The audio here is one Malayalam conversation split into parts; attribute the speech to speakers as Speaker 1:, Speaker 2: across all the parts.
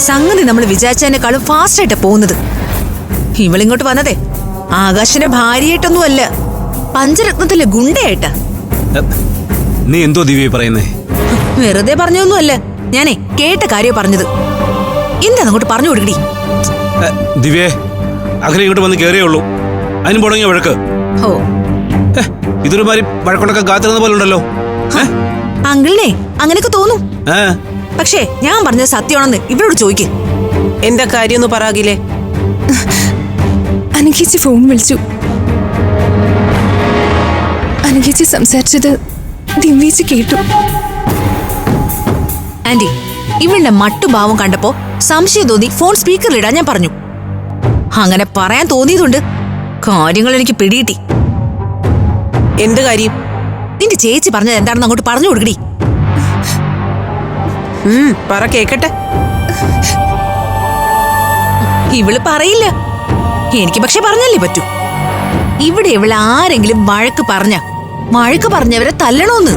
Speaker 1: സംഗതി നമ്മൾ വിചാരിച്ചതിനേക്കാളും ഫാസ്റ്റ് ആയിട്ടാ പോകുന്നത്. ഇവളിങ്ങോട്ട് വന്നതേ ആകാശിന്റെ ഭാര്യയായിട്ടൊന്നുമല്ല, പഞ്ചരത്നത്തിലെ ഗുണ്ടയായിട്ടാ.
Speaker 2: നീ എന്തോ ദിവ്യ പറയുന്നേ?
Speaker 1: വെറുതെ പറഞ്ഞൊന്നുമല്ല, ഞാനേ കേട്ട കാര്യം പറഞ്ഞത്. എന്താ അങ്ങോട്ട് പറഞ്ഞു കൊടുക്കടി.
Speaker 2: ദിവ്യേ, അഖില ഇങ്ങോട്ട് വന്ന് കയറിയേ ഉള്ളൂ, അതിന് തുടങ്ങിയ വഴക്ക്.
Speaker 1: ഓ,
Speaker 2: ഇതൊരു മാതിരി വഴക്കൊണ്ടൊക്കെ കാത്തിരുന്ന പോലെ ഉണ്ടല്ലോ.
Speaker 1: അങ്കിളിനെ അങ്ങനെയൊക്കെ തോന്നും. പക്ഷേ ഞാൻ പറഞ്ഞത് സത്യമാണെന്ന് ഇവരോട് ചോദിക്ക്.
Speaker 3: എന്താ കാര്യം ഒന്ന് പറയാകില്ലേ?
Speaker 4: അനുഗേച്ചി ഫോൺ വിളിച്ചു. അനുഗേച്ചി സംസാരിച്ചത് ദിവ്യേച്ചി കേട്ടു.
Speaker 1: ആന്റി, ഇവളുടെ മട്ടുഭാവം കണ്ടപ്പോ സംശയം തോന്നി ഫോൺ സ്പീക്കറിലിടാൻ ഞാൻ പറഞ്ഞു. അങ്ങനെ പറയാൻ തോന്നിയതുകൊണ്ട് കാര്യങ്ങൾ എനിക്ക് പിടികിട്ടി.
Speaker 3: എന്ത് കാര്യം?
Speaker 1: നിന്റെ ചേച്ചി പറഞ്ഞത് എന്താണെന്ന് അങ്ങോട്ട് പറഞ്ഞു കൊടുക്കടി.
Speaker 3: പറ കേക്കട്ടെ.
Speaker 1: ഇവള് പറയില്ല, എനിക്ക് പക്ഷെ പറഞ്ഞല്ലേ പറ്റൂ. ഇവിടെ ഇവള് ആരെങ്കിലും വഴക്ക് പറഞ്ഞവരെ തല്ലണോന്ന്.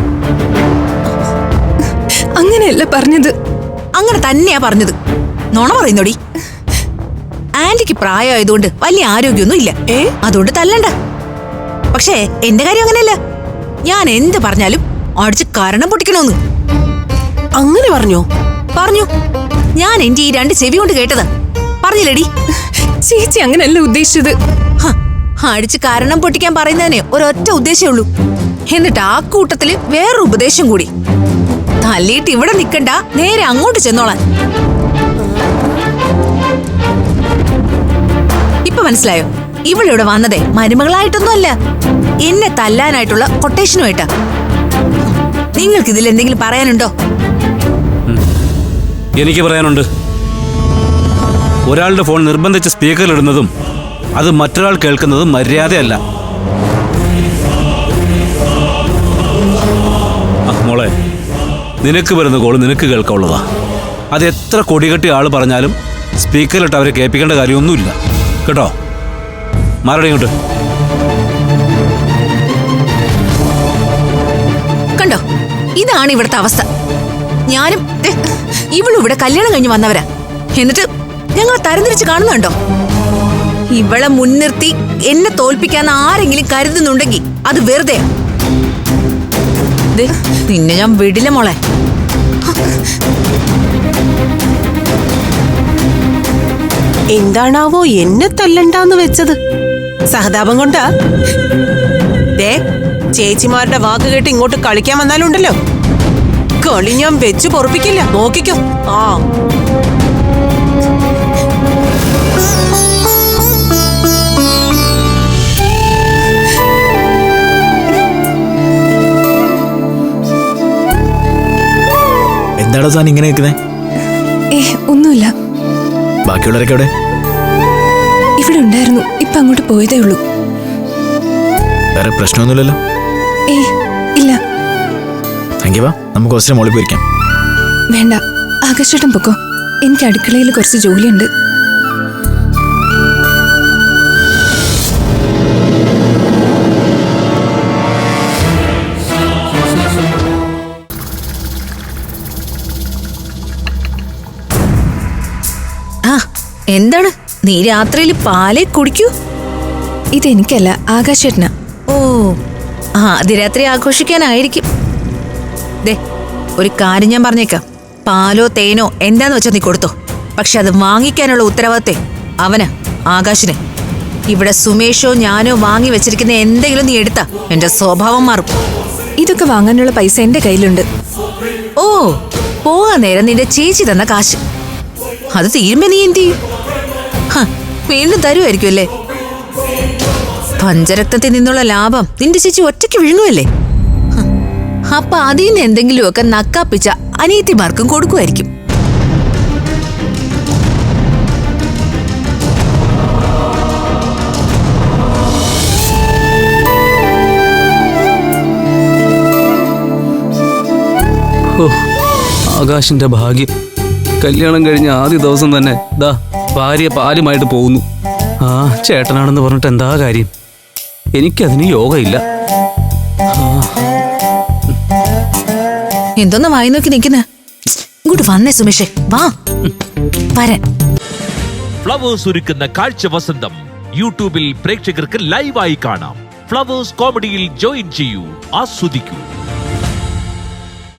Speaker 4: അങ്ങനെയല്ല പറഞ്ഞത്.
Speaker 1: അങ്ങനെ തന്നെയാ പറഞ്ഞത്. നുണ പറയുന്നോടി. ആന്റിക്ക് പ്രായമായതുകൊണ്ട് വലിയ ആരോഗ്യമൊന്നും ഇല്ല, അതുകൊണ്ട് തല്ലണ്ട. പക്ഷേ എന്റെ കാര്യം അങ്ങനെയല്ല. ഞാൻ എന്ത് പറഞ്ഞാലും അടിച്ച് കരണം പൊട്ടിക്കണോന്ന്.
Speaker 3: അങ്ങനെ പറഞ്ഞു?
Speaker 1: പറഞ്ഞു. ഞാൻ എന്റെ ഈ 2 ചെവി കൊണ്ട് കേട്ടതാ. പറഞ്ഞില്ലടി?
Speaker 4: ചേച്ചി അങ്ങനെയല്ല ഉദ്ദേശിച്ചത്.
Speaker 1: അടിച്ച് കാരണം പൊട്ടിക്കാൻ പറയുന്നതിന് ഒരൊറ്റ ഉദ്ദേശമേ ഉള്ളൂ. എന്നിട്ട് ആ കൂട്ടത്തില് വേറൊരു ഉപദേശം കൂടി. തല്ലിയിട്ട് ഇവിടെ നിക്കണ്ട, നേരെ അങ്ങോട്ട് ചെന്നോളാൻ. ഇപ്പൊ മനസ്സിലായോ? ഇവളിവിടെ വന്നതേ മരുമകളായിട്ടൊന്നും അല്ല, എന്നെ തല്ലാനായിട്ടുള്ള കൊട്ടേഷനുമായിട്ടാ. നിങ്ങൾക്ക് ഇതിൽ എന്തെങ്കിലും പറയാനുണ്ടോ?
Speaker 2: എനിക്ക് പറയാനുണ്ട്. ഒരാളുടെ ഫോൺ നിർബന്ധിച്ച് സ്പീക്കറിലിടുന്നതും അത് മറ്റൊരാൾ കേൾക്കുന്നതും മര്യാദയല്ല. മോളെ, നിനക്ക് വരുന്ന കോള് നിനക്ക് കേൾക്കാനുള്ളതാ. അത് എത്ര കൊടികെട്ടി ആള് പറഞ്ഞാലും സ്പീക്കറിലിട്ട് അവരെ കേൾപ്പിക്കേണ്ട കാര്യമൊന്നുമില്ല കേട്ടോ. മാറടി ഇങ്ങോട്ട്.
Speaker 1: കണ്ടോ, ഇതാണ് ഇവിടുത്തെ അവസ്ഥ. ഞാനും ഇവളും ഇവിടെ കല്യാണം കഴിഞ്ഞ് വന്നവരാ. എന്നിട്ട് ഞങ്ങൾ തരംതിരിച്ച് കാണുന്നുണ്ടോ? ഇവളെ മുൻനിർത്തി എന്നെ തോൽപ്പിക്കാന്ന് ആരെങ്കിലും കരുതുന്നുണ്ടെങ്കിൽ അത് വെറുതെ. നിന്നെ ഞാൻ വിടില്ല മോളെ.
Speaker 3: എന്താണാവോ എന്നെ തല്ലണ്ടാന്ന് വെച്ചത്? സഹതാപം കൊണ്ടാ? ചേച്ചിമാരുടെ വാക്ക് കേട്ട് ഇങ്ങോട്ട് കളിക്കാൻ വന്നാലുണ്ടല്ലോ, കളി ഞാൻ വെച്ച് പൊറപ്പിക്കില്ല, നോക്കിക്കോ.
Speaker 5: എന്താണോ താൻ ഇങ്ങനെ നിൽക്കുന്നേ?
Speaker 4: ഒന്നുമില്ല.
Speaker 5: ബാക്കിയുള്ളവരൊക്കെ എവിടെ?
Speaker 4: ഇവിടെ ഉണ്ടായിരുന്നു, ഇപ്പൊ അങ്ങോട്ട് പോയതേ ഉള്ളൂ.
Speaker 5: വേറെ പ്രശ്നമൊന്നുമില്ലല്ലോ?
Speaker 4: ഇല്ല.
Speaker 5: എങ്കിൽ വാ, നമുക്ക് കുറച്ച് മോളിൽ പോയിരിക്കാം.
Speaker 4: വേണ്ട, ആകാശേട്ടൻ പൊക്കോ. എനിക്ക് അടുക്കളയിൽ കുറച്ച് ജോലിയുണ്ട്.
Speaker 1: എന്താണ് നീ രാത്രിയിൽ പാലേ കുടിക്കൂ?
Speaker 4: ഇതെനിക്കല്ല, ആകാശേട്ടനാ.
Speaker 1: ഓ, അതിരാത്രി ആഘോഷിക്കാനായിരിക്കും. ഒരു കാര്യം ഞാൻ പറഞ്ഞേക്കാം, പാലോ തേനോ എന്താന്ന് വെച്ചാൽ നീ കൊടുത്തോ. പക്ഷെ അത് വാങ്ങിക്കാനുള്ള ഉത്തരവാദിത്തം അവന്, ആകാശിന്. ഇവിടെ സുമേഷോ ഞാനോ വാങ്ങി വെച്ചിരിക്കുന്ന എന്തെങ്കിലും നീ എടുത്താ എന്റെ സ്വഭാവം മാറും.
Speaker 4: ഇതൊക്കെ വാങ്ങാനുള്ള പൈസ എന്റെ കയ്യിലുണ്ട്.
Speaker 1: ഓ, പോകാൻ നേരം നിന്റെ ചേച്ചി തന്ന കാശ് അത് തീരുമ്പോ നീ എന്ത് ചെയ്യും? വീണ്ടും തരുമായിരിക്കും അല്ലേ? പഞ്ചരക്തത്തിൽ നിന്നുള്ള ലാഭം നിന്റെ ചേച്ചി ഒറ്റയ്ക്ക് വിഴുങ്ങുമല്ലേ? അപ്പൊ അതിന് എന്തെങ്കിലുമൊക്കെ നക്കാപ്പിച്ച അനിയത്തിമാർക്കും കൊടുക്കുമായിരിക്കും.
Speaker 2: ആകാശിന്റെ ഭാഗ്യം, കല്യാണം കഴിഞ്ഞ ആദ്യ ദിവസം തന്നെ ഭാര്യ പാലുമായിട്ട് പോകുന്നു. ചേട്ടനാണെന്ന് പറഞ്ഞിട്ട് എന്താ കാര്യം? എനിക്കതിന് യോഗയില്ല.
Speaker 1: എന്തോന്ന് വായി നോക്കി നിൽക്കുന്നേ? ഇങ്ങോട്ട് വന്നേ സുമേഷേ, വാ. വരാൻ.
Speaker 6: ഫ്ലവേഴ്സ് ഒരുക്കുന്ന കാഴ്ച വസന്തം യൂട്യൂബിൽ പ്രേക്ഷകർക്ക് ലൈവായി കാണാം. ഫ്ലവേഴ്സ് കോമഡിയിൽ ജോയിൻ ചെയ്യൂ, ആസ്വദിക്കൂ.